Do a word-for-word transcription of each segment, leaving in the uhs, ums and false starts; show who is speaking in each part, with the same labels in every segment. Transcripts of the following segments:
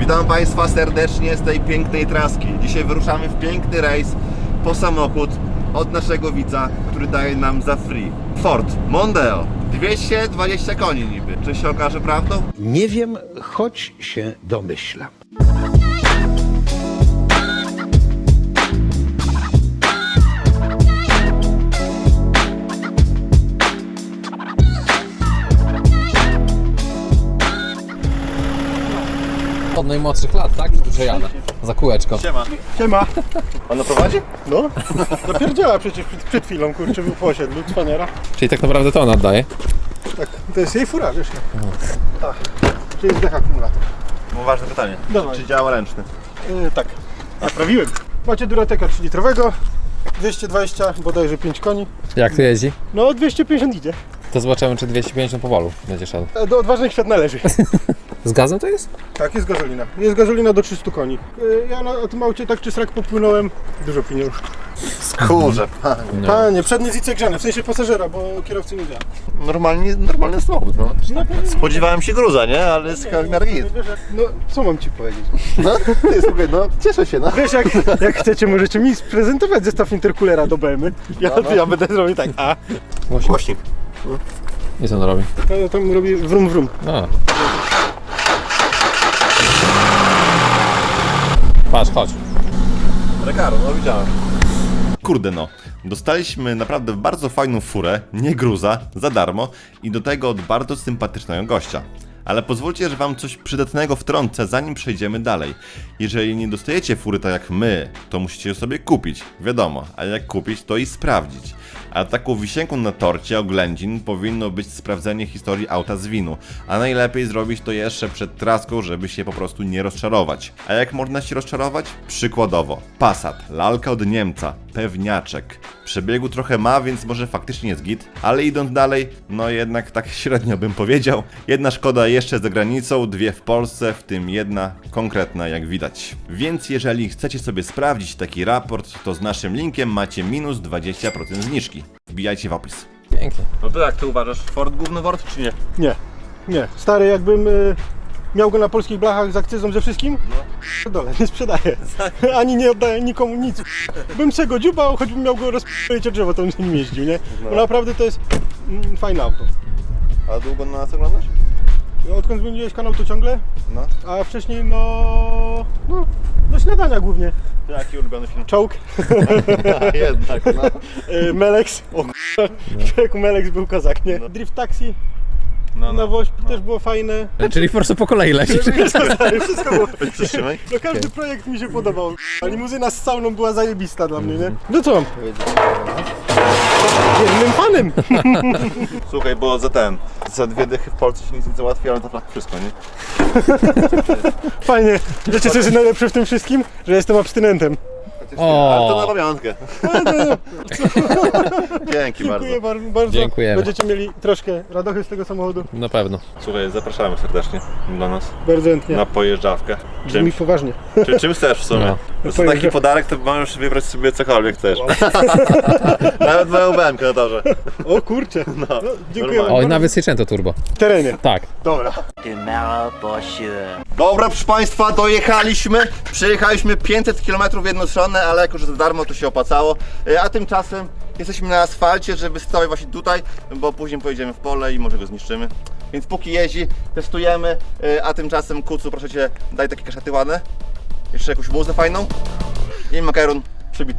Speaker 1: Witam Państwa serdecznie z tej pięknej traski. Dzisiaj wyruszamy w piękny rejs po samochód od naszego widza, który daje nam za free. Ford Mondeo. dwieście dwadzieścia koni niby. Czy się okaże prawdą?
Speaker 2: Nie wiem, choć się domyślam.
Speaker 3: Od najmłodszych lat, tak? Że jadę. Za kółeczko.
Speaker 1: Siema.
Speaker 4: Siema.
Speaker 1: Pan prowadzi?
Speaker 4: No, zapierdziała przecież przed, przed chwilą, kurczę, był po osiedlu, cwaniara.
Speaker 3: Czyli tak naprawdę to on oddaje?
Speaker 4: Tak, to jest jej fura, wiesz? Tak, to jest dech akumulator.
Speaker 1: Mam ważne pytanie.
Speaker 4: Dawaj.
Speaker 1: Czy działa ręczny?
Speaker 4: Yy, tak, naprawiłem. Macie Durateka trzylitrowego, dwieście dwadzieścia, bodajże pięć koni.
Speaker 3: Jak tu jeździ?
Speaker 4: No, dwieście pięćdziesiąt idzie.
Speaker 3: To zobaczymy, czy dwieście pięćdziesiąt powolu będzie szedł.
Speaker 4: E, Do odważnych świat należy.
Speaker 3: Z gazem to jest?
Speaker 4: Tak, jest gazolina. Jest gazolina do trzystu koni. Yy, ja na o tym aucie tak czy srak popłynąłem, dużo pieniążków.
Speaker 1: Skurze, panie.
Speaker 3: No.
Speaker 4: Panie, przednie zice grzane, w sensie pasażera, bo kierowcy nie działa.
Speaker 1: Normalnie, normalny samochód, no. Spodziewałem się gruza, nie? Ale jest w miarę git.
Speaker 4: No, co mam ci powiedzieć?
Speaker 1: No, ty, słuchaj, no, cieszę się, no.
Speaker 4: Wiesz, jak, jak chcecie, możecie mi sprezentować zestaw intercoolera do B M. Ja,
Speaker 1: No, no.
Speaker 4: ja będę robił tak, a
Speaker 3: Głośnik.
Speaker 1: Głośnik.
Speaker 3: I co on robi?
Speaker 4: ja tam robię wrum wrum.
Speaker 3: No. Patrz, chodź.
Speaker 1: Recaro, no widziałem. Kurde no, dostaliśmy naprawdę bardzo fajną furę, nie gruza, za darmo i do tego od bardzo sympatycznego gościa. Ale pozwólcie, że wam coś przydatnego wtrącę, zanim przejdziemy dalej. Jeżeli nie dostajecie fury tak jak my, to musicie ją sobie kupić, wiadomo, a jak kupić, to i sprawdzić. A taką wisienką na torcie oględzin powinno być sprawdzenie historii auta z winu, a najlepiej zrobić to jeszcze przed traską, żeby się po prostu nie rozczarować. A jak można się rozczarować? Przykładowo, Passat, lalka od Niemca, pewniaczek. Przebiegu trochę ma, więc może faktycznie jest git, ale idąc dalej, no jednak tak średnio bym powiedział. Jedna Szkoda jeszcze za granicą, dwie w Polsce, w tym jedna konkretna jak widać. Więc jeżeli chcecie sobie sprawdzić taki raport, to z naszym linkiem macie minus dwadzieścia procent zniżki. Wbijajcie w opis.
Speaker 3: Pięknie.
Speaker 1: No to jak ty uważasz, Ford główny Ford czy nie?
Speaker 4: Nie, nie. Stary, jakbym y, miał go na polskich blachach z akcyzą ze wszystkim, no dole, nie sprzedaję. Ani nie oddaję nikomu nic. Bym se go dziubał, choćbym miał go rozp***ć o drzewo, to bym z nim jeździł, nie? Bo naprawdę to jest mm, fajne auto.
Speaker 1: A długo na nas oglądasz?
Speaker 4: Odkąd zmieniłeś kanał, to ciągle,
Speaker 1: No.
Speaker 4: a wcześniej no... no, do śniadania głównie.
Speaker 1: Jaki ulubiony film?
Speaker 4: Czołg,
Speaker 1: Jednak, no.
Speaker 4: y, Melex, o k***a, człowieku Melex był kozak, nie? Drift Taxi,
Speaker 1: No,
Speaker 4: na Wośp też było fajne.
Speaker 3: Czyli po prostu po kolei lecisz.
Speaker 4: Wszystko było.
Speaker 1: Przytrzymaj.
Speaker 4: No każdy projekt mi się podobał. A limuzyna z sauną była zajebista dla mnie, nie? No co mam powiedzieć? Jednym fanem!
Speaker 1: Słuchaj, bo za ten, za dwie dychy w Polsce się nic nie załatwi, ale to tak wszystko, nie?
Speaker 4: Fajnie. Wiecie co jest najlepsze w tym wszystkim? Że jestem abstynentem.
Speaker 3: O.
Speaker 1: Ale to na pamiątkę. Dzięki bardzo.
Speaker 4: Dziękuję bar- bardzo.
Speaker 3: Dziękujemy.
Speaker 4: Będziecie mieli troszkę radochy z tego samochodu.
Speaker 3: Na pewno.
Speaker 1: Słuchaj, zapraszamy serdecznie do nas
Speaker 4: Bardzo chętnie.
Speaker 1: na pojeżdżawkę.
Speaker 4: Brzmi
Speaker 1: Czym,
Speaker 4: poważnie.
Speaker 1: czy, czym chcesz w sumie?
Speaker 3: No.
Speaker 1: To jest taki
Speaker 4: Pojeżdżawka.
Speaker 1: podarek, to możesz wybrać sobie cokolwiek chcesz. Nawet moją B M K na torze.
Speaker 4: O kurczę. No, dziękuję
Speaker 1: normalnie.
Speaker 3: Oj,
Speaker 4: wam
Speaker 3: nawet Seicento turbo.
Speaker 4: W terenie.
Speaker 3: Tak.
Speaker 4: Dobra.
Speaker 5: Tomorrow for sure.
Speaker 1: Dobra, proszę Państwa, dojechaliśmy. Przejechaliśmy pięćset kilometrów w jedną stronę, ale jako, że za darmo, to się opłacało. E, A tymczasem jesteśmy na asfalcie, żeby stawać właśnie tutaj, bo później pojedziemy w pole i może go zniszczymy. Więc póki jeździ, testujemy, e, a tymczasem Kucu, proszę Cię, daj takie kaszaty ładne. Jeszcze jakąś muzę fajną. I makaron przybity.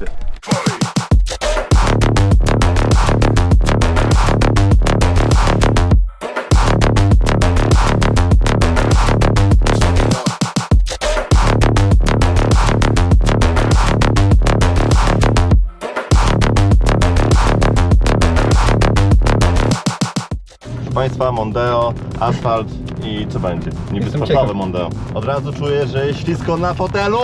Speaker 1: Proszę Państwa, Mondeo, asfalt i co będzie? Niby
Speaker 3: Jestem
Speaker 1: sportowe
Speaker 3: ciekaw.
Speaker 1: Mondeo. Od razu czuję, że jest ślisko na fotelu.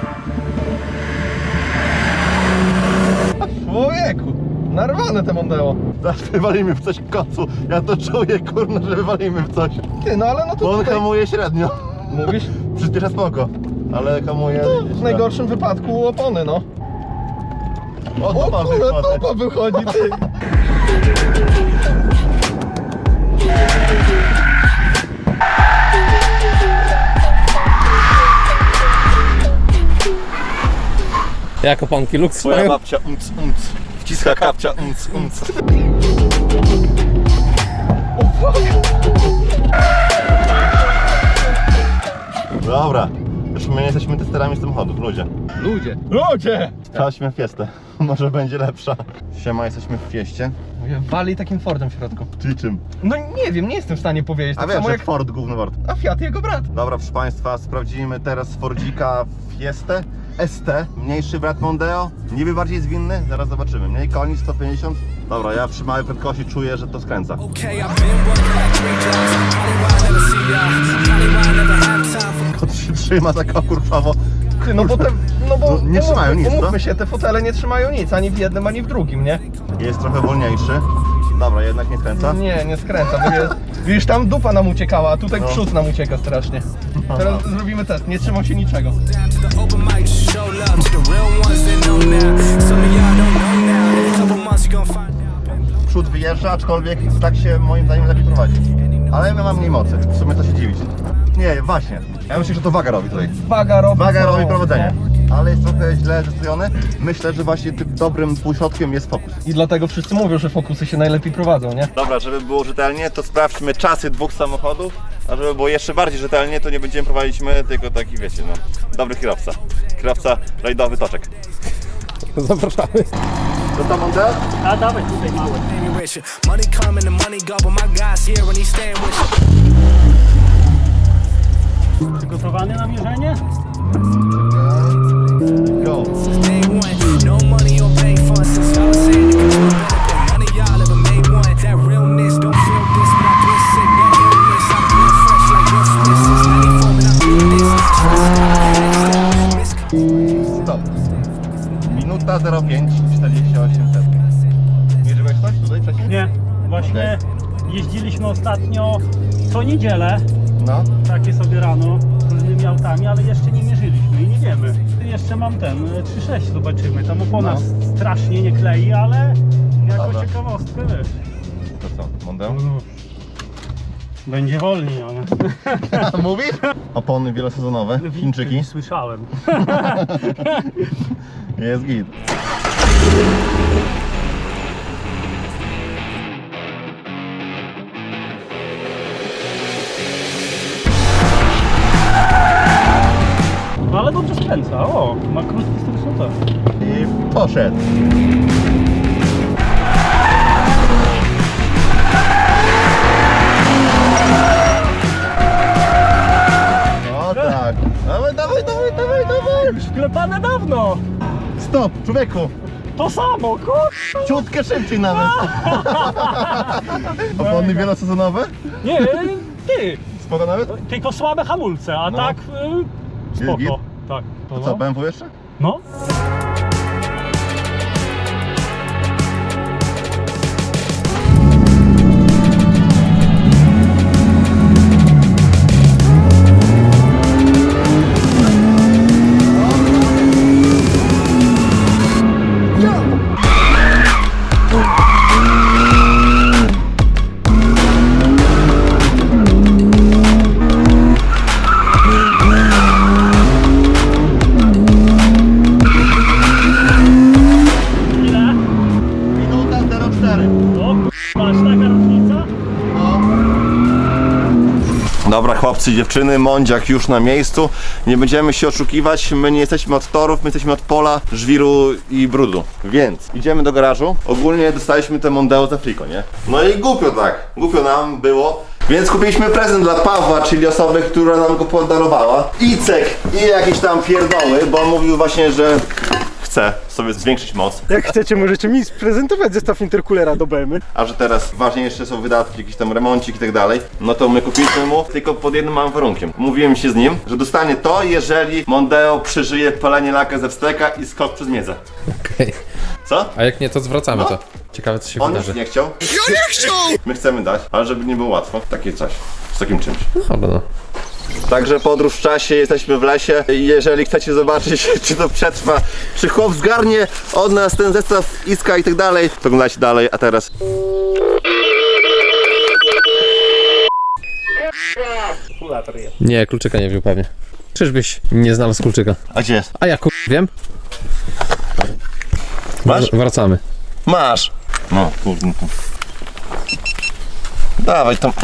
Speaker 1: Człowieku, narwane te Mondeo. Zaraz wywalimy w coś w końcu. Ja to czuję, kurna, że wywalimy w coś.
Speaker 6: Ty, no ale no to
Speaker 1: Bo on
Speaker 6: tutaj
Speaker 1: hamuje średnio.
Speaker 6: mówisz,
Speaker 1: Przyspiesza spoko, ale hamuje...
Speaker 6: w najgorszym wypadku opony, no.
Speaker 1: O,
Speaker 6: O
Speaker 1: dupa
Speaker 6: kurwa,
Speaker 1: wychodzi.
Speaker 6: dupa wychodzi, ty.
Speaker 3: Jak oponki Lux
Speaker 1: Twoja
Speaker 3: mają?
Speaker 1: babcia unc unc. Wciska kapcia unc unc. Dobra. Już my nie jesteśmy testerami samochodów, ludzie.
Speaker 3: Ludzie.
Speaker 6: Ludzie!
Speaker 1: Sprawdźmy fiestę. Może będzie lepsza. Siema, jesteśmy w fieście.
Speaker 6: Wali takim Fordem w środku.
Speaker 1: Czyli czym?
Speaker 6: No nie wiem, nie jestem w stanie powiedzieć.
Speaker 1: A
Speaker 6: Tak
Speaker 1: wiesz,
Speaker 6: samo
Speaker 1: że
Speaker 6: jak...
Speaker 1: Ford gówno wart.
Speaker 6: A Fiat jego brat.
Speaker 1: Dobra, proszę Państwa, sprawdzimy teraz Fordzika Fiestę S T, mniejszy brat Mondeo, niby bardziej zwinny, zaraz zobaczymy. Mniej koni, sto pięćdziesiąt. Dobra, ja przy małej prędkości czuję, że to skręca. Kot się trzyma tak okurczowo.
Speaker 6: Ty, no bo te... No bo...
Speaker 1: No, nie trzymają nic,
Speaker 6: Umówmy
Speaker 1: co?
Speaker 6: się, te fotele nie trzymają nic, ani w jednym, ani w drugim, nie?
Speaker 1: Jest trochę wolniejszy. Dobra, jednak nie skręca.
Speaker 6: Nie, nie skręca, bo jest... Widzisz, tam dupa nam uciekała, a tutaj
Speaker 1: No.
Speaker 6: przód nam ucieka strasznie. Teraz zrobimy test, nie trzymał się niczego.
Speaker 1: Przód wyjeżdża, aczkolwiek tak się moim zdaniem lepiej prowadzi. Ale ja mam mniej mocy, w sumie to się dziwić. Nie, właśnie. Ja myślę, że to waga robi tutaj.
Speaker 6: Waga robi...
Speaker 1: Waga
Speaker 6: co-
Speaker 1: robi prowadzenie. Ale jest trochę źle zestawiony. Myślę, że właśnie tym dobrym półśrodkiem jest Focus.
Speaker 6: I dlatego wszyscy mówią, że Focusy się najlepiej prowadzą, nie?
Speaker 1: Dobra, żeby było rzetelnie, to sprawdźmy czasy dwóch samochodów. A żeby było jeszcze bardziej rzetelnie, to nie będziemy prowadzić my, tylko taki, wiecie, no, dobry kierowca. Kierowca rajdowy Toczek.
Speaker 3: Zapraszamy.
Speaker 1: To tam Mondeo?
Speaker 7: A dawaj tutaj małe.
Speaker 8: Money coming, the money go, but my guy's here and he's staying with you.
Speaker 7: Przygotowany na mierzenie?
Speaker 1: Go.
Speaker 8: Day one, no money on bank funds since y'all saying it could benefit. None of y'all ever made one. That realness, don't feel this, but I've been sick. That illness, I've been fresh like Will Smith since ninety-four, and I feel this. Stressed out,
Speaker 1: Stop. Minuta zero pięć czterdzieści osiem sekund. Mierzyłeś coś tutaj wcześniej?
Speaker 7: Nie. Właśnie jeździliśmy ostatnio co niedzielę,
Speaker 1: No.
Speaker 7: takie sobie rano, różnymi autami, ale jeszcze nie mierzyliśmy i nie wiemy. Jeszcze mam ten trzy sześć, zobaczymy. Tam opona
Speaker 1: No.
Speaker 7: strasznie nie klei, ale jako
Speaker 1: Dobra.
Speaker 7: ciekawostkę wiesz.
Speaker 1: To co, Mondeo?
Speaker 7: Będzie wolniej, ale
Speaker 1: Mówisz? Opony wielosezonowe, Chińczyki.
Speaker 7: słyszałem.
Speaker 1: Jest git.
Speaker 7: No ale dobrze skręca, o, ma krótki styl.
Speaker 1: I poszedł. No tak. Dawaj, dawaj, dawaj, dawaj, dawaj.
Speaker 7: Wklepane dawno!
Speaker 1: Stop, człowieku.
Speaker 7: To samo, kur...
Speaker 1: Ciutkę szybciej nawet. Opony wielosezonowe?
Speaker 7: Nie, ty!
Speaker 1: Spoko nawet?
Speaker 7: Tylko słabe hamulce, a
Speaker 1: No.
Speaker 7: tak y, spoko.
Speaker 1: Git?
Speaker 7: Tak.
Speaker 1: To co, B M W jeszcze?
Speaker 7: No. Ile?
Speaker 1: Minuta zero cztery.
Speaker 7: O, masz taka różnica?
Speaker 1: Dobra, chłopcy i dziewczyny, Mondziak już na miejscu. Nie będziemy się oszukiwać, my nie jesteśmy od torów, my jesteśmy od pola, żwiru i brudu. Więc idziemy do garażu. Ogólnie dostaliśmy te Mondeo za friko, nie? No i głupio tak, głupio nam było. Więc kupiliśmy prezent dla Pawła, czyli osoby, która nam go podarowała. Icek i jakieś tam pierdoły, bo on mówił właśnie, że chce sobie zwiększyć moc.
Speaker 4: Jak chcecie, możecie mi sprezentować zestaw intercoolera do B M W.
Speaker 1: A że teraz ważniejsze są wydatki, jakiś tam remoncik i tak dalej, no to my kupiliśmy mu tylko pod jednym małym warunkiem. Mówiłem się z nim, że dostanie to, jeżeli Mondeo przeżyje palenie laka ze wsteka i skok przez miedzę.
Speaker 3: Okej.
Speaker 1: Co?
Speaker 3: A jak nie, to zwracamy
Speaker 1: No.
Speaker 3: to. Ciekawe, co się
Speaker 1: On już
Speaker 3: wydarzy.
Speaker 1: nie chciał. Ja nie chciał! My chcemy dać, ale żeby nie było łatwo. Takie coś. Z takim czymś.
Speaker 3: Dobra, no.
Speaker 1: Także podróż w czasie, jesteśmy w lesie. Jeżeli chcecie zobaczyć, czy to przetrwa, czy chłop zgarnie od nas ten zestaw iska i tak dalej, to oglądajcie dalej, a teraz...
Speaker 3: Nie, kluczyka nie wziął pewnie. Czyżbyś nie znalazł kluczyka?
Speaker 1: A gdzie jest?
Speaker 3: A ja kur... wiem.
Speaker 1: Masz?
Speaker 3: Wracamy.
Speaker 1: Masz! No, kurde. Dawaj tam.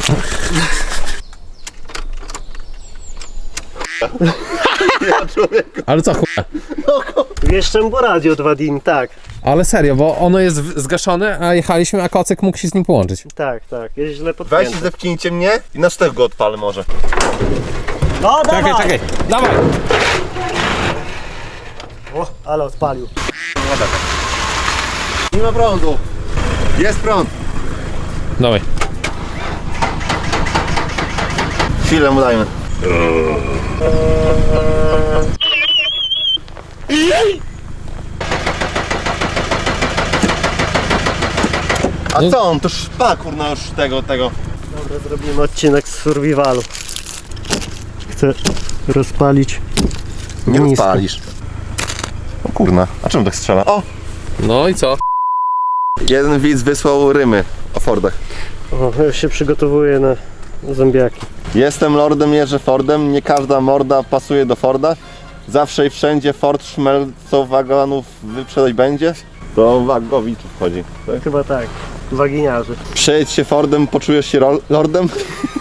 Speaker 3: Ale co chuja?
Speaker 6: Jeszcze mu radio dwa dni, tak.
Speaker 3: Ale serio, bo ono jest w- zgaszone, a jechaliśmy, a kocyk mógł się z nim połączyć.
Speaker 6: Tak, tak, jest źle
Speaker 1: Weź
Speaker 6: podpięty.
Speaker 1: i zepchnijcie mnie i na sztywko odpalę może.
Speaker 6: No
Speaker 3: Czekaj,
Speaker 6: dawaj!
Speaker 3: czekaj, dawaj!
Speaker 6: O, ale odpalił.
Speaker 1: Nie ma prądu. Jest prąd.
Speaker 3: Dawaj.
Speaker 1: Chwilę mu dajmy. A co on? To szpa kurna już tego, tego.
Speaker 6: Dobra, zrobimy odcinek z survivalu. Chcę rozpalić.
Speaker 1: Nie
Speaker 6: Nisko.
Speaker 1: odpalisz. O kurna, a czemu tak strzela? O!
Speaker 3: No i co?
Speaker 1: Jeden widz wysłał rymy o Fordach.
Speaker 6: O, już się przygotowuję na zombiaki.
Speaker 1: Jestem lordem, jeżdżę Fordem, nie każda morda pasuje do Forda. Zawsze i wszędzie Ford szmelcą wagonów wyprzedać będzie. To wagowiczów chodzi. Tak?
Speaker 6: Chyba tak. Waginiarzy.
Speaker 1: Przejedź się Fordem, poczujesz się ro- lordem.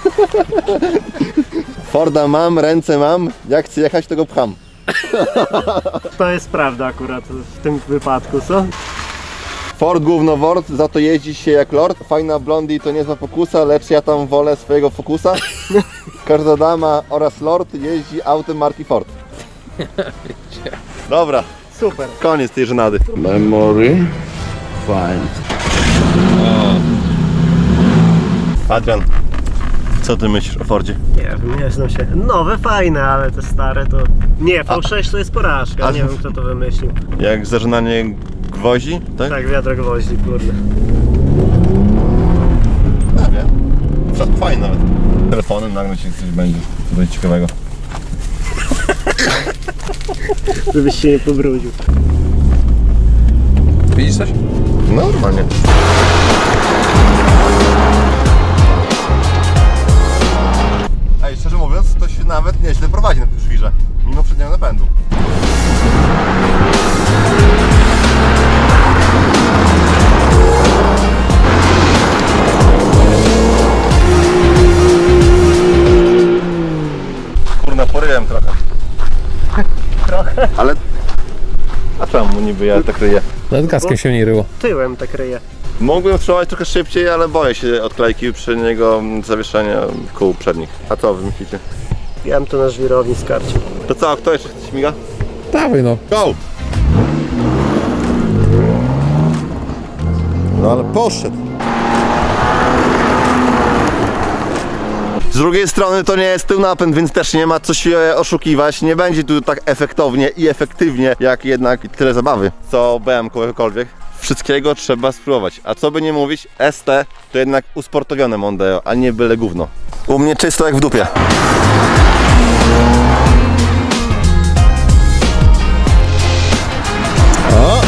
Speaker 1: Forda mam, ręce mam, jak chcę jechać, to go pcham.
Speaker 6: To jest prawda akurat w tym wypadku, co?
Speaker 1: Ford gówno word, za to jeździ się jak lord. Fajna blondi to niezła pokusa, lecz ja tam wolę swojego Focusa. Każda dama oraz lord jeździ autem marki Ford. Dobra,
Speaker 6: Super.
Speaker 1: koniec tej żenady.
Speaker 2: Memory. Fine.
Speaker 1: Adrian, co ty myślisz o Fordzie?
Speaker 6: Nie wiem, nie znam się. Nowe fajne, ale te stare to... Nie, V sześć to jest porażka,
Speaker 1: A-
Speaker 6: nie wiem kto to wymyślił.
Speaker 1: Jak zażynanie gwoździ, tak?
Speaker 6: Tak, wiadro gwoździ, kurde.
Speaker 1: Ja wiem. Fa- Fajnie nawet. Telefonem nagle ci coś będzie, co będzie ciekawego.
Speaker 6: Żebyś się nie pobrudził.
Speaker 3: Widzisz coś?
Speaker 1: No, normalnie. Ej, szczerze mówiąc, to się nawet nieźle prowadzi na tym żwirze, mimo przedniego napędu. Kurna, poryłem trochę.
Speaker 6: Trochę.
Speaker 1: Ale... A czemu niby ja tak ryję?
Speaker 3: Nawet gaskiem się nie ryło.
Speaker 6: Tyłem tak ryje.
Speaker 1: Mógłbym wstrzymać trochę szybciej, ale boję się odklejki przedniego zawieszenia kół przednich. A co wy myślicie?
Speaker 6: Ja bym to na żwirowni skarcił.
Speaker 1: To co, kto jeszcze śmiga?
Speaker 3: Dawaj no.
Speaker 1: Go! No ale poszedł. Z drugiej strony to nie jest tył napęd, więc też nie ma co się oszukiwać. Nie będzie tu tak efektownie i efektywnie, jak jednak tyle zabawy, co B M kogokolwiek. Wszystkiego trzeba spróbować. A co by nie mówić, S T to jednak usportowione Mondeo, a nie byle gówno. U mnie czysto jak w dupie. O!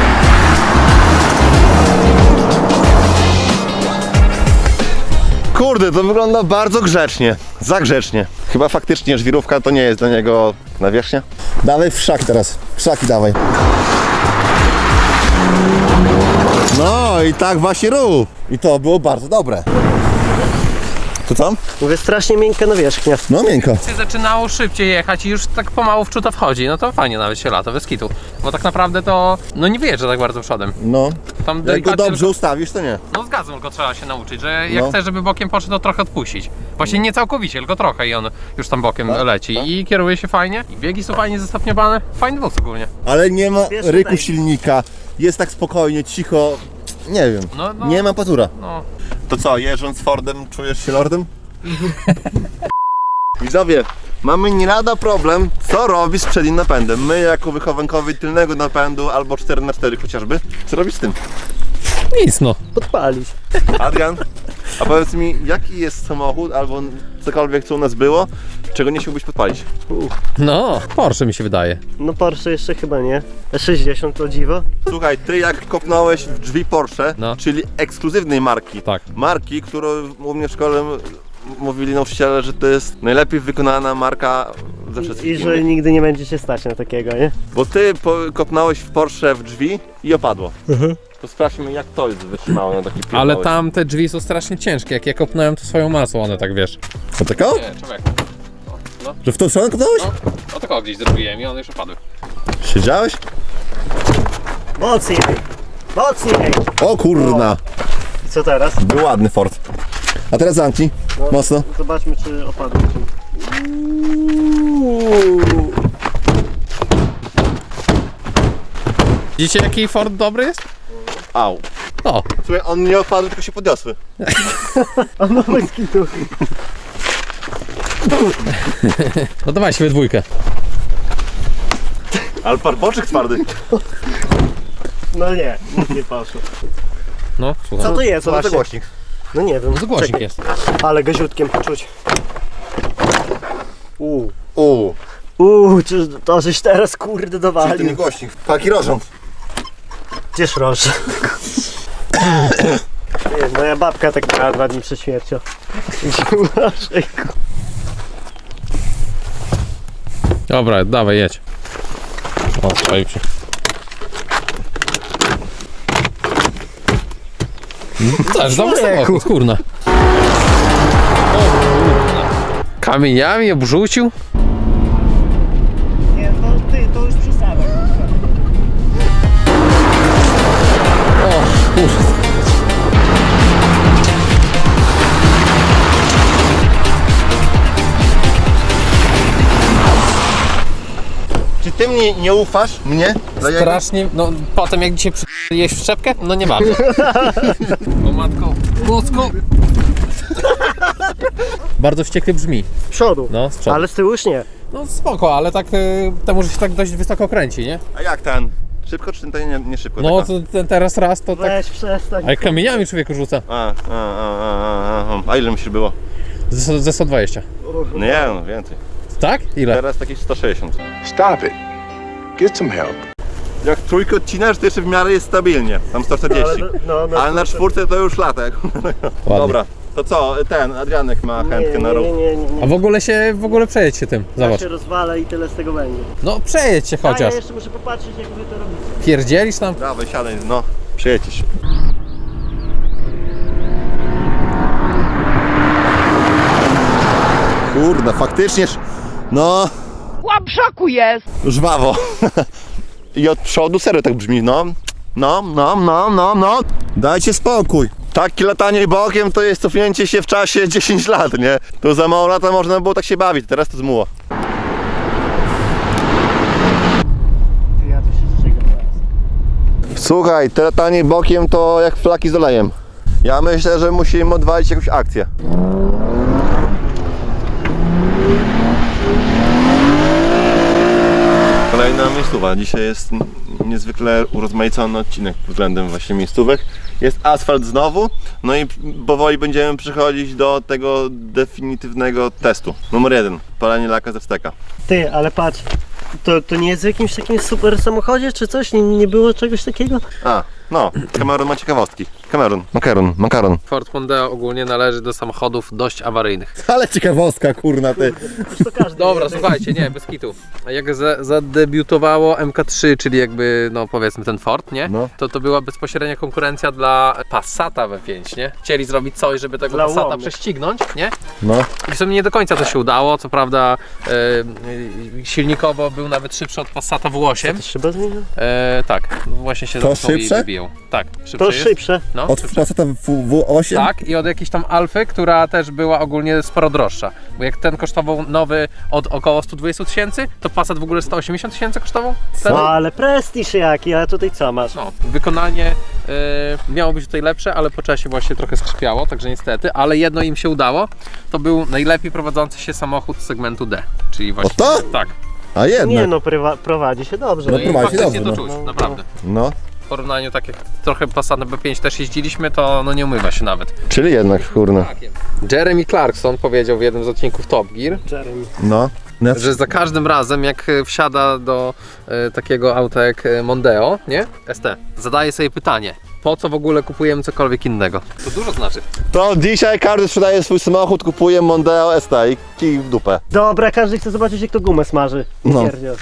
Speaker 1: Kurde, to wygląda bardzo grzecznie. Za grzecznie. Chyba faktycznie żwirówka to nie jest dla niego nawierzchnia. Dawaj w szak teraz. W szaki dawaj. No i tak właśnie rób. I to było bardzo dobre. To co?
Speaker 6: Mówię, strasznie miękka nawierzchnia.
Speaker 1: No miękko.
Speaker 9: się zaczynało szybciej jechać i już tak pomału w czuto wchodzi, no to fajnie nawet się lata, bez kitu. Bo tak naprawdę to, no nie wyjeżdża tak bardzo przodem.
Speaker 1: No.
Speaker 9: Tam
Speaker 1: Jak go
Speaker 9: delikatnie
Speaker 1: dobrze
Speaker 9: tylko,
Speaker 1: ustawisz, to nie.
Speaker 9: no z gazem tylko trzeba się nauczyć, że jak
Speaker 1: No.
Speaker 9: chcesz, żeby bokiem poszedł, to trochę odpuścić. Właśnie nie całkowicie, tylko trochę i on już tam bokiem
Speaker 1: Tak,
Speaker 9: leci i kieruje się fajnie, i biegi są fajnie zestopniowane, fajny wóz ogólnie.
Speaker 1: Ale nie ma
Speaker 6: Wiesz,
Speaker 1: ryku
Speaker 6: tak.
Speaker 1: silnika. Jest tak spokojnie, cicho. Nie wiem.
Speaker 9: No, no.
Speaker 1: Nie ma patura.
Speaker 9: No.
Speaker 1: To co, jeżdżąc Fordem, czujesz się lordem? Widzowie, mamy nie lada problem, co robić z przednim napędem. My jako wychowankowie tylnego napędu albo cztery na cztery chociażby, co robić z tym?
Speaker 3: Nic no.
Speaker 6: Podpalić.
Speaker 1: Adrian, a powiedz mi, jaki jest samochód albo cokolwiek co u nas było, czego nie chciałbyś podpalić?
Speaker 3: No, Porsche mi się wydaje.
Speaker 6: No Porsche jeszcze chyba nie. E sześćdziesiąt to dziwo.
Speaker 1: Słuchaj, ty jak kopnąłeś w drzwi Porsche,
Speaker 3: No.
Speaker 1: czyli ekskluzywnej marki,
Speaker 3: Tak.
Speaker 1: marki, którą u mnie w szkole m- mówili nauczyciele, że to jest najlepiej wykonana marka ze
Speaker 6: I
Speaker 1: wszystkich
Speaker 6: że
Speaker 1: innych.
Speaker 6: nigdy nie będziecie stać na takiego, nie?
Speaker 1: Bo ty po, kopnąłeś w Porsche w drzwi i opadło. To sprawdźmy, jak to jest wytrzymało na taki pierdolek.
Speaker 3: Ale tam te drzwi są strasznie ciężkie. Jak je kopnąłem, to swoją masą one tak, wiesz.
Speaker 1: Co takiego?
Speaker 9: Nie, człowiek.
Speaker 1: Że w tą stronę kopnąłeś?
Speaker 9: No, o tylko gdzieś zrobiłem i one już opadły.
Speaker 1: Siedziałeś?
Speaker 6: Mocniej! Mocniej!
Speaker 1: O kurna!
Speaker 6: I co teraz?
Speaker 1: Był ładny Ford. A teraz zamknij.
Speaker 6: No,
Speaker 1: Mocno.
Speaker 6: Zobaczmy, czy opadło.
Speaker 3: Widzicie, jaki Ford dobry jest?
Speaker 1: Au.
Speaker 3: O,
Speaker 1: Słuchaj, on nie opadł, tylko się podniosły.
Speaker 6: A no bez kitu.
Speaker 3: no dawaj się we dwójkę.
Speaker 1: Ale parpoczyk twardy.
Speaker 6: No nie, nic nie poszło.
Speaker 3: No,
Speaker 6: Co
Speaker 3: słucham.
Speaker 6: to jest
Speaker 1: Co to za
Speaker 6: właśnie?
Speaker 1: głośnik?
Speaker 6: No nie wiem.
Speaker 3: No to głośnik
Speaker 6: Czekaj.
Speaker 3: jest.
Speaker 6: Ale gaziutkiem czuć. Uuu.
Speaker 1: Uuu.
Speaker 6: Uuu, czy to żeś teraz kurde
Speaker 1: To nie
Speaker 6: dowalił.
Speaker 1: głośnik. Paki rożąc.
Speaker 6: Gdzież roż? Nie, moja babka tak miała dwa dni przed śmiercią.
Speaker 3: Dobra, dawaj, jedź. O, spalił się. Też dobry samochód, kurna. O, kurna. Kamieniami obrzucił?
Speaker 6: Nie, to ty, to już przesada.
Speaker 3: O, kurwa.
Speaker 1: Czy ty mnie nie ufasz? Mnie? Za jego-
Speaker 3: Strasznie, no potem jak dzisiaj jeść w szczepkę, no nie bardzo. O matko, mocno. Bardzo wściekle brzmi.
Speaker 6: Z przodu.
Speaker 3: No, z przodu.
Speaker 6: Ale z tyłu już nie.
Speaker 3: No spoko, ale tak y, temu, że się tak dość wysoko kręci, nie?
Speaker 1: A jak ten? Szybko czy ten nie, nie szybko?
Speaker 3: No
Speaker 1: taka?
Speaker 3: to ten teraz raz to tak.
Speaker 6: Weź przestań.
Speaker 3: Ale kamieniami człowieku rzuca.
Speaker 1: A, a, a, a, a, a ile myślisz było?
Speaker 3: Ze, ze sto dwadzieścia.
Speaker 1: Nie, no więcej.
Speaker 3: Tak? Ile?
Speaker 1: Teraz jakieś sto sześćdziesiąt.
Speaker 2: Stop it. Get some help.
Speaker 1: Jak trójkę odcinasz, to jeszcze w miarę jest stabilnie. Tam sto czterdzieści.
Speaker 6: Ale, no, no,
Speaker 1: Ale na czwórce to już latek.
Speaker 3: Ładnie.
Speaker 1: Dobra, to co? Ten, Adrianek ma chętkę
Speaker 6: nie,
Speaker 1: na
Speaker 6: nie,
Speaker 1: ruch.
Speaker 6: nie, nie, nie,
Speaker 3: A
Speaker 6: nie.
Speaker 3: w ogóle się, w ogóle przejedź się tym.
Speaker 6: Ja
Speaker 3: Zobacz.
Speaker 6: się rozwalę i tyle z tego będzie.
Speaker 3: No przejedź się
Speaker 6: A ja
Speaker 3: chociaż.
Speaker 6: jeszcze muszę popatrzeć, jak wy to robicie.
Speaker 3: Pierdzielisz tam?
Speaker 1: Dawaj, siadaj, no. Przyjedź się. Kurna, faktycznie, no.
Speaker 10: Łap szoku jest!
Speaker 1: Żwawo. I od przodu serio tak brzmi, no. No, no, no, no, no. Dajcie spokój. Takie latanie bokiem to jest cofnięcie się w czasie dziesięć lat, nie? To za mało lata można było tak się bawić, teraz to zmuło.
Speaker 6: Ja tu się zżygam teraz.
Speaker 1: Słuchaj, te latanie bokiem to jak flaki z olejem. Ja myślę, że musimy odwalić jakąś akcję. Kolejna miejscowa. Dzisiaj jest niezwykle urozmaicony odcinek pod względem właśnie miejscówek. Jest asfalt znowu, no i powoli będziemy przechodzić do tego definitywnego testu. Numer jeden. Palenie laka ze wsteka.
Speaker 6: Ty, ale patrz. To, to nie jest w jakimś takim super samochodzie czy coś? Nie, nie było czegoś takiego?
Speaker 1: A, no, Cameron ma ciekawostki. Cameron, makaron, makaron.
Speaker 9: Ford Mondeo ogólnie należy do samochodów dość awaryjnych.
Speaker 1: Ale ciekawostka, kurna ty.
Speaker 6: To każdy
Speaker 9: Dobra,
Speaker 6: wie.
Speaker 9: słuchajcie, nie, bez kitu. Jak za, zadebiutowało M K trzy, czyli jakby, no powiedzmy ten Ford, nie?
Speaker 1: No.
Speaker 9: To to była bezpośrednia konkurencja dla Passata W pięć, nie? Chcieli zrobić coś, żeby tego
Speaker 6: Dla
Speaker 9: Passata
Speaker 6: łomnych.
Speaker 9: prześcignąć, nie?
Speaker 1: No.
Speaker 9: I w sumie nie do końca to się udało, co prawda e, e, silnikowo był nawet szybszy od Passata W osiem.
Speaker 6: To szyba zmienia?
Speaker 9: E, tak, właśnie się
Speaker 1: To
Speaker 9: zamknął i
Speaker 1: szybsze?
Speaker 9: wybiją. Tak, szybsze
Speaker 6: To
Speaker 9: jest.
Speaker 6: szybsze.
Speaker 9: No,
Speaker 1: Od
Speaker 9: szybsze.
Speaker 1: Passata W osiem?
Speaker 9: Tak, i od jakiejś tam Alfy, która też była ogólnie sporo droższa. Bo jak ten kosztował nowy od około sto dwadzieścia tysięcy, to Passat w ogóle sto osiemdziesiąt tysięcy kosztował? Wtedy?
Speaker 6: No ale prestiż jaki, a tutaj co masz?
Speaker 9: No, wykonanie y, miało być tutaj lepsze, ale po czasie właśnie trochę skrzypiało, także niestety, ale jedno im się udało, to był najlepiej prowadzący się samochód z segmentu D, czyli właśnie...
Speaker 1: to?
Speaker 9: Tak.
Speaker 1: A jednak.
Speaker 6: Nie no, prywa, prowadzi się dobrze.
Speaker 1: No
Speaker 9: I
Speaker 1: prowadzi się
Speaker 9: faktycznie
Speaker 1: dobrze,
Speaker 9: to
Speaker 1: no.
Speaker 9: czuć, naprawdę.
Speaker 1: No,
Speaker 9: W porównaniu tak jak trochę Passatem B pięć też jeździliśmy, to no nie umywa się nawet.
Speaker 1: czyli jednak, kurna.
Speaker 9: Jeremy Clarkson powiedział w jednym z odcinków Top Gear,
Speaker 6: Jeremy.
Speaker 1: No. No.
Speaker 9: że za każdym razem jak e, wsiada do e, takiego auta jak e, Mondeo, nie? S T, zadaje sobie pytanie, po co w ogóle kupujemy cokolwiek innego? To dużo znaczy.
Speaker 1: To dzisiaj każdy sprzedaje swój samochód, kupuje Mondeo S T i kij w dupę.
Speaker 6: Dobra, każdy chce zobaczyć, jak to gumę smaży.
Speaker 1: No.
Speaker 6: Pierdziel.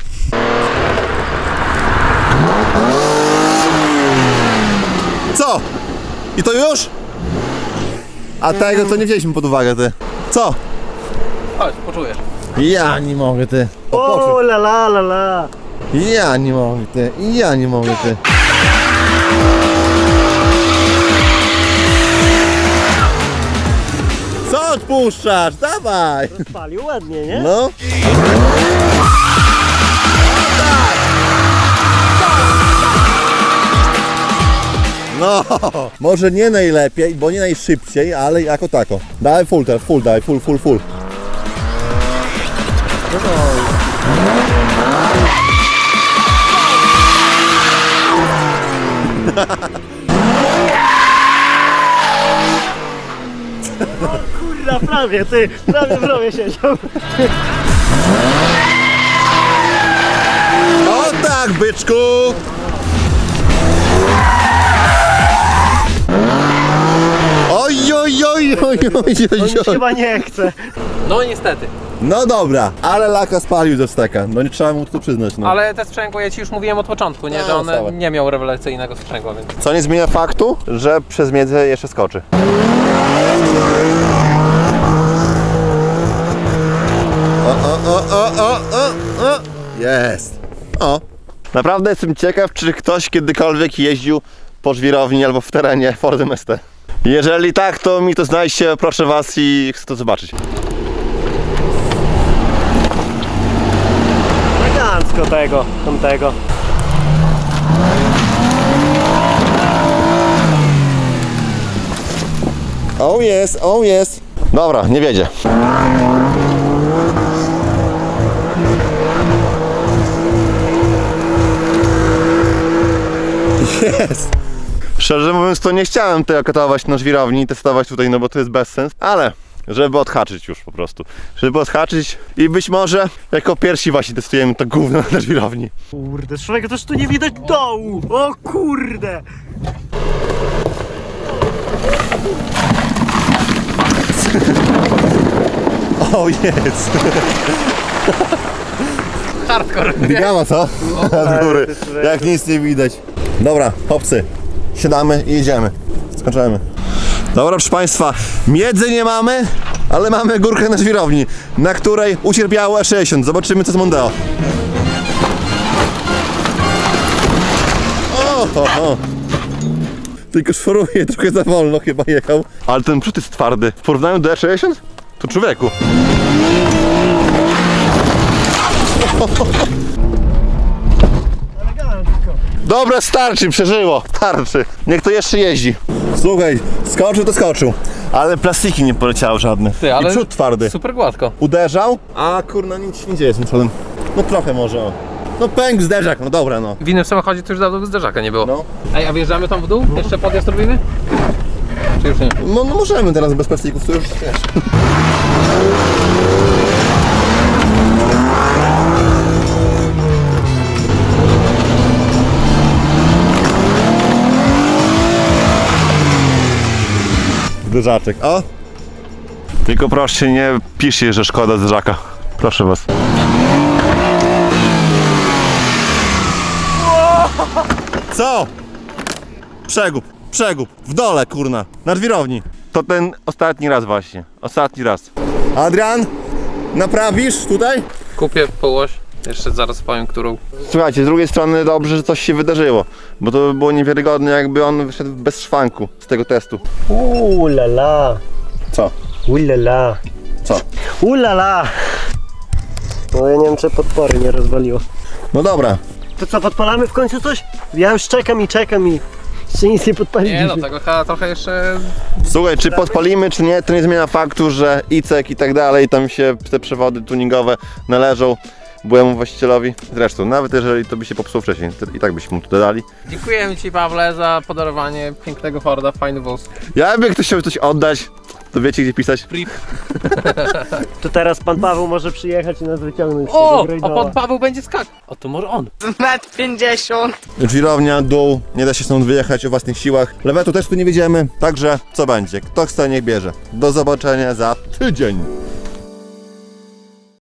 Speaker 1: Co? I to już? A tego to nie wzięliśmy pod uwagę, ty. Co?
Speaker 9: Chodź, poczujesz.
Speaker 1: Ja nie mogę, ty.
Speaker 6: O la la la la.
Speaker 1: Ja nie mogę, ty. Ja nie mogę, ty. Co odpuszczasz? Dawaj!
Speaker 6: Palił ładnie, nie?
Speaker 1: No. No, może nie najlepiej, bo nie najszybciej, ale jako tako. Daj full teraz, full daj, full, full, full.
Speaker 6: Kurwa, prawie, ty, prawie w rowie siedział.
Speaker 1: O tak, byczku! Oj, oj, oj, oj, oj,
Speaker 6: On
Speaker 1: oj,
Speaker 6: już
Speaker 1: oj.
Speaker 6: chyba nie chce.
Speaker 9: No niestety,
Speaker 1: No dobra, ale laka spalił ze steka. No nie trzeba mu to przyznać, no.
Speaker 9: ale te sprzęgło, ja ci już mówiłem od początku, nie,
Speaker 1: No,
Speaker 9: że one
Speaker 1: stałe.
Speaker 9: nie miał rewelacyjnego sprzęgła, więc...
Speaker 1: Co nie zmienia faktu, że przez miedzę jeszcze skoczy. O, o, o, o, o, o, o. Jest. O. Naprawdę jestem ciekaw, czy ktoś kiedykolwiek jeździł po żwirowni albo w terenie Fordem S T. Jeżeli tak, to mi to znajdźcie, proszę was, i chcę to zobaczyć.
Speaker 6: Elegancko tego, tamtego.
Speaker 1: O jest, o jest. Dobra, nie wiedzie. Jest. Szczerze mówiąc, to nie chciałem tego katować na żwirowni i testować tutaj, no bo to jest bez sens, ale żeby odhaczyć już po prostu. Żeby odhaczyć i być może jako pierwsi właśnie testujemy to gówno na żwirowni.
Speaker 6: Kurde, człowieka też tu nie widać dołu. O kurde.
Speaker 1: O jest.
Speaker 9: Hardcore, nie?
Speaker 1: Biała co? Z góry. Jak nic nie widać. Dobra, chłopcy, siadamy i jedziemy. Skończymy. Dobra, proszę Państwa, miedzy nie mamy, ale mamy górkę na żwirowni, na której ucierpiało E sześćdziesiąt. Zobaczymy, co z Mondeo. O, o, o. Tylko szoruje, trochę za wolno chyba jechał. Ale ten przód jest twardy. W porównaniu do E sześćdziesiąt? To człowieku.
Speaker 6: Elegancko.
Speaker 1: Dobra, starczy, przeżyło, starczy. Niech to jeszcze jeździ. Słuchaj, skoczył to skoczył, ale plastiki nie poleciały żadne.
Speaker 9: Ty, ale
Speaker 1: I przód twardy.
Speaker 9: super gładko.
Speaker 1: Uderzał, a kurna nic się nie dzieje z tym przodem. No trochę może, o. No pęk zderzak, no dobra no.
Speaker 9: W innym samochodzie to już dawno zderzaka nie było.
Speaker 1: No.
Speaker 9: Ej, a wjeżdżamy tam w dół? Jeszcze podjazd robimy? Czy już nie?
Speaker 1: No, no możemy teraz bez plastików, to już wiesz. Zderzaczek, o! Tylko proszę nie piszcie, że szkoda zderzaka. Proszę was. Co? Przegub, przegub, w dole kurna, na żwirowni. To ten ostatni raz właśnie, ostatni raz. Adrian, naprawisz tutaj?
Speaker 9: Kupię połoś, jeszcze zaraz powiem, którą.
Speaker 1: Słuchajcie, z drugiej strony dobrze, że coś się wydarzyło, bo to by było niewiarygodne, jakby on wyszedł bez szwanku z tego testu.
Speaker 6: Uuu la la.
Speaker 1: Co?
Speaker 6: Uuu la la.
Speaker 1: Co?
Speaker 6: Uuu la la. No ja nie wiem, czy podpory nie rozwaliło.
Speaker 1: No dobra.
Speaker 6: To co, podpalamy w końcu coś? Ja już czekam i czekam i jeszcze nic nie podpaliliśmy.
Speaker 9: Nie no, tego chyba trochę jeszcze...
Speaker 1: Słuchaj, czy podpalimy, czy nie, to nie zmienia faktu, że Icek i tak dalej, tam się te przewody tuningowe należą byłemu właścicielowi. Zresztą, nawet jeżeli to by się popsuło wcześniej, to i tak byśmy mu to dodali.
Speaker 9: Dziękujemy Ci, Pawle, za podarowanie pięknego Forda, fajny wóz.
Speaker 1: Jakby ktoś chciał coś oddać, To wiecie gdzie pisać?
Speaker 6: To teraz pan Paweł może przyjechać i nas wyciągnąć z
Speaker 9: O,
Speaker 6: tego
Speaker 9: a
Speaker 6: grejdoła.
Speaker 9: pan Paweł będzie skakał. O, to może on.
Speaker 10: metr pięćdziesiąt.
Speaker 1: Żwirownia, dół, nie da się stąd wyjechać o własnych siłach. Lewetu też tu nie wiedziemy, także co będzie? Kto chce, niech bierze. Do zobaczenia za tydzień.